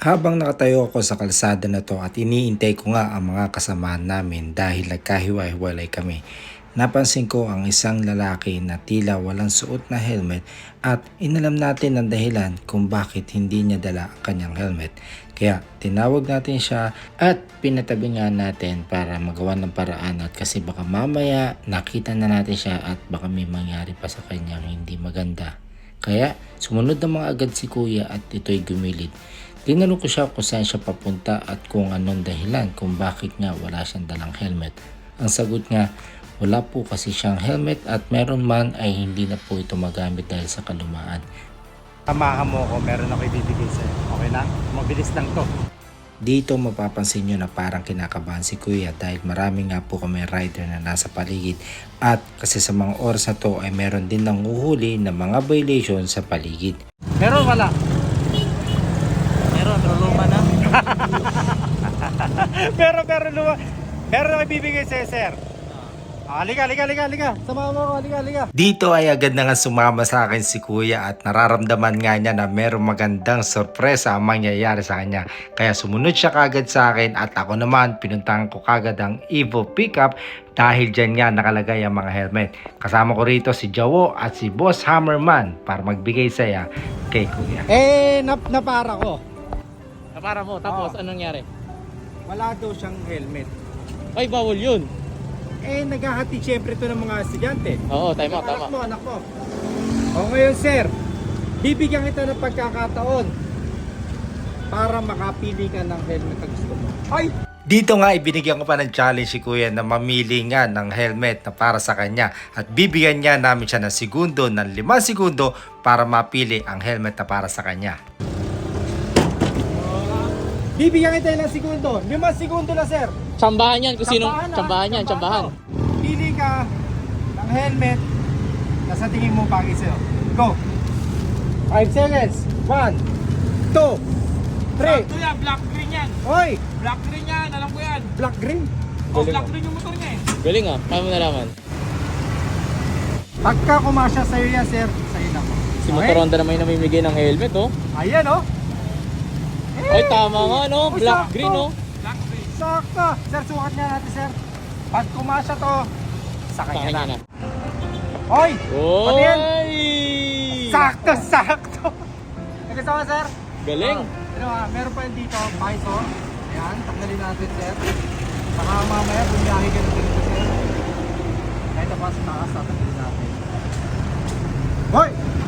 Habang nakatayo ako sa kalsada na to at iniintay ko nga ang mga kasamahan namin dahil nagkahiwa-hiwalay kami, napansin ko ang isang lalaki na tila walang suot na helmet at inalam natin ang dahilan kung bakit hindi niya dala ang kanyang helmet. Kaya tinawag natin siya at pinatabi nga natin para magawa ng paraan at kasi baka mamaya nakita na natin siya at baka may mangyari pa sa kanyang hindi maganda. Kaya sumunod na mga agad si kuya at ito'y gumilid. Tinanong ko siya kung saan siya papunta at kung anong dahilan kung bakit nga wala siyang dalang helmet. Ang sagot nga, wala po kasi siyang helmet at meron man ay hindi na po ito magamit dahil sa kalumaan. Samahan mo ako, meron ako ibibigay sa'yo. Okay lang? Mabilis lang to. Dito mapapansin nyo na parang kinakabahan si kuya dahil marami nga po kami rider na nasa paligid at kasi sa mga oras na to ay meron din nang uhuli na mga violation sa paligid. Meron wala? Meron, pero luma na. Meron luma. Meron ako ibibigay sa'yo, sir. Halika. Samahan mo ako, halika. Dito ay agad na nga sumama sa akin si kuya at nararamdaman nga niya na merong magandang sorpresa ang mangyayari sa kanya. Kaya sumunod siya kagad sa akin at ako naman pinuntahan ko kagad ang Evo pickup dahil dyan nga nakalagay ang mga helmet. Kasama ko rito si Jawo at si Boss Hammerman para magbigay saya kay kuya. Napara ko. Napara mo, tapos anong nangyari? Wala daw siyang helmet. Ay, bawal yun. Naghahati siyempre ito ng mga estudyante. Oo, tama. Anak mo. O ngayon, sir, bibigyan kita ng pagkakataon para makapili ka ng helmet na gusto mo. Ay! Dito nga ibinigyan ko pa ng challenge si kuya na mamili nga ng helmet na para sa kanya at bibigyan niya namin siya ng segundo ng 5 segundo para mapili ang helmet na para sa kanya. Bibigyan kita ng segundo. 5 segundo na, sir. Tsambahan yan, kung sinong Tsambahan na, tsambahan. Pili ka ng helmet na sa tingin mo bagay sa'yo. Go! 5 seconds. 1, 2, 3. Ito yan, black green yan. Oy! Black green yan, alam ko yan. Black green. Oh, black green yung motor niya eh. Galing ah, paano mo nalaman? Pagka kumasya sa'yo yan, sir, sa'yo na mo. Si Motor Honda naman yung namimigay ng helmet oh. Ayan, oh. Ay, tama nga no, Oh, black sakto. green oh. Black green. Sakto. Sir, sukat nga natin, sir. Pag kumasya to, sa Sa kanya kanya na. na. Oy! Pati yan. Oy! Sakto. Gusto mo, sir? Galing. Meron pa yun dito, Bison. Ayan, tanggalin natin, sir. Saka mamaya, bumiyahe ka na dito, sir. Ito pa sa taas, tatanggalin natin. Hoy!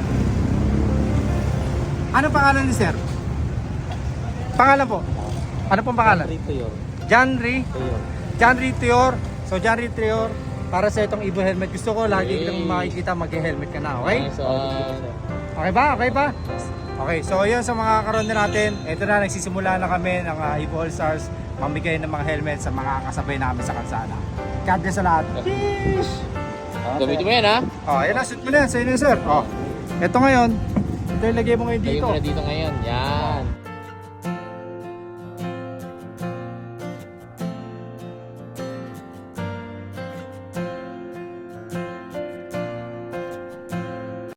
Anong pangalan ni sir? Pangalan po? Ano pong pangalan? Rito yun. John Ritior. So, John Ritior, para sa itong Evo helmet, gusto ko lagi kitang makikita mag-helmet ka na, okay? Okay ba? Okay, so yun sa mga karonde natin, ito na, nagsisimula na kami ng Evo All Stars, mamigay ng mga helmet sa mga kasabay namin sa kalsada. God bless sa lahat. Sheesh! Gamitin mo yan ha. Oh, ayan na, shoot mo na yan, sa'yo na sir. Oh, ito ngayon, ito ilagay mo ngayon Lagyan dito. mo na dito ngayon. Yan.